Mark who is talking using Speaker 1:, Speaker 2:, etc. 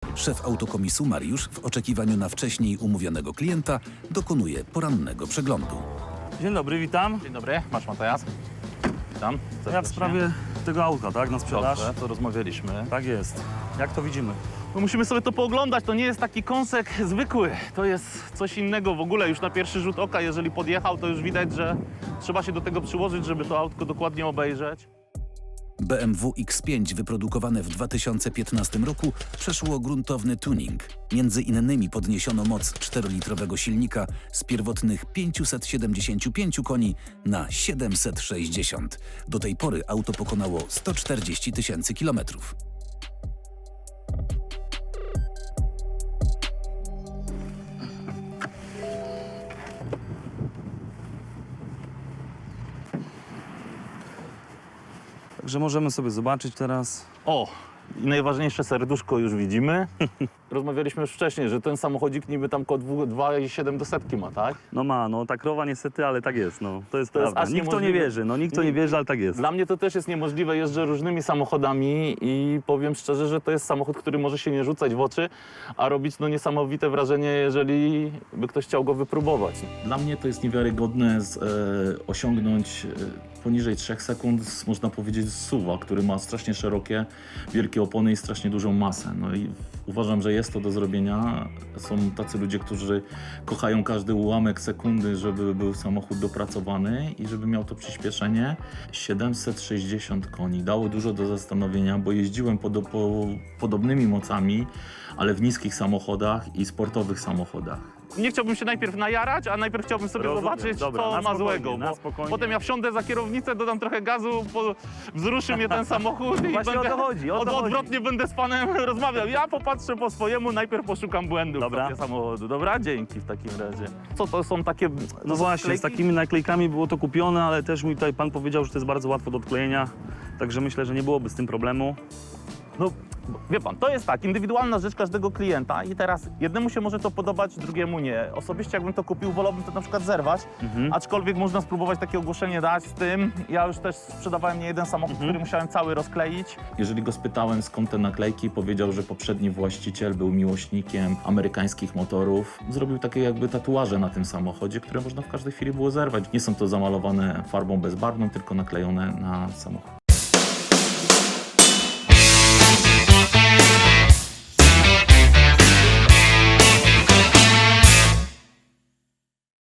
Speaker 1: Szef autokomisu Mariusz w oczekiwaniu na wcześniej umówionego klienta dokonuje porannego przeglądu.
Speaker 2: Dzień dobry, witam.
Speaker 3: Dzień dobry, masz Matajas. Witam.
Speaker 2: Ja w
Speaker 3: serdecznie.
Speaker 2: sprawie tego auta, tak, na sprzedaż?
Speaker 3: Dobrze, to rozmawialiśmy.
Speaker 2: Tak jest. Jak to widzimy?
Speaker 3: No musimy sobie to pooglądać, to nie jest taki kąsek zwykły. To jest coś innego w ogóle, już na pierwszy rzut oka, jeżeli podjechał, to już widać, że trzeba się do tego przyłożyć, żeby to autko dokładnie obejrzeć.
Speaker 1: BMW X5 wyprodukowane w 2015 roku przeszło gruntowny tuning. Między innymi podniesiono moc 4-litrowego silnika z pierwotnych 575 koni na 760. Do tej pory auto pokonało 140 000 kilometrów.
Speaker 2: Także możemy sobie zobaczyć teraz.
Speaker 3: O, i najważniejsze serduszko już widzimy. Rozmawialiśmy już wcześniej, że ten samochodzik niby tam około 2,7 do setki ma, tak?
Speaker 2: No ma, no ta krowa niestety, ale tak jest, no. To jest
Speaker 3: To jest
Speaker 2: prawda.
Speaker 3: aż
Speaker 2: Nikt to nie
Speaker 3: niemożliwe.
Speaker 2: wierzy, no nikt to nie wierzy, ale tak jest.
Speaker 3: Dla mnie to też jest niemożliwe, jeżdżę różnymi samochodami i powiem szczerze, że to jest samochód, który może się nie rzucać w oczy, a robić no niesamowite wrażenie, jeżeli by ktoś chciał go wypróbować. Dla mnie to jest niewiarygodne osiągnąć poniżej 3 sekund, można powiedzieć, z SUV-a, który ma strasznie szerokie, wielkie opony i strasznie dużą masę. No i uważam, że jest to do zrobienia. Są tacy ludzie, którzy kochają każdy ułamek sekundy, żeby był samochód dopracowany i żeby miał to przyspieszenie. 760 koni dało dużo do zastanowienia, bo jeździłem podobnymi mocami, ale w niskich samochodach i sportowych samochodach. Nie chciałbym się najpierw najarać, a najpierw chciałbym sobie
Speaker 2: Rozumiem.
Speaker 3: zobaczyć,
Speaker 2: Dobra,
Speaker 3: co
Speaker 2: na
Speaker 3: ma
Speaker 2: spokojnie,
Speaker 3: złego.
Speaker 2: na
Speaker 3: Bo
Speaker 2: spokojnie.
Speaker 3: potem ja wsiądę za kierownicę, dodam trochę gazu, wzruszy mnie ten samochód i
Speaker 2: Właśnie
Speaker 3: będę
Speaker 2: o to chodzi, o to chodzi.
Speaker 3: odwrotnie będę z panem rozmawiał. Ja popatrzę po swojemu, najpierw poszukam błędów
Speaker 2: Dobra.
Speaker 3: sobie samochodu. Dobra, dzięki w takim razie. Co to są takie... to
Speaker 2: No
Speaker 3: są
Speaker 2: właśnie,
Speaker 3: wklejki?
Speaker 2: z takimi naklejkami było to kupione, ale też mi tutaj pan powiedział, że to jest bardzo łatwo do odklejenia. Także myślę, że nie byłoby z tym problemu.
Speaker 3: No, wie pan, to jest tak, indywidualna rzecz każdego klienta i teraz jednemu się może to podobać, drugiemu nie. Osobiście jakbym to kupił, wolałbym to na przykład zerwać, aczkolwiek można spróbować takie ogłoszenie dać z tym. Ja już też sprzedawałem nie jeden samochód, który musiałem cały rozkleić. Jeżeli go spytałem, skąd te naklejki, powiedział, że poprzedni właściciel był miłośnikiem amerykańskich motorów. Zrobił takie jakby tatuaże na tym samochodzie, które można w każdej chwili było zerwać. Nie są to zamalowane farbą bezbarwną, tylko naklejone na samochód.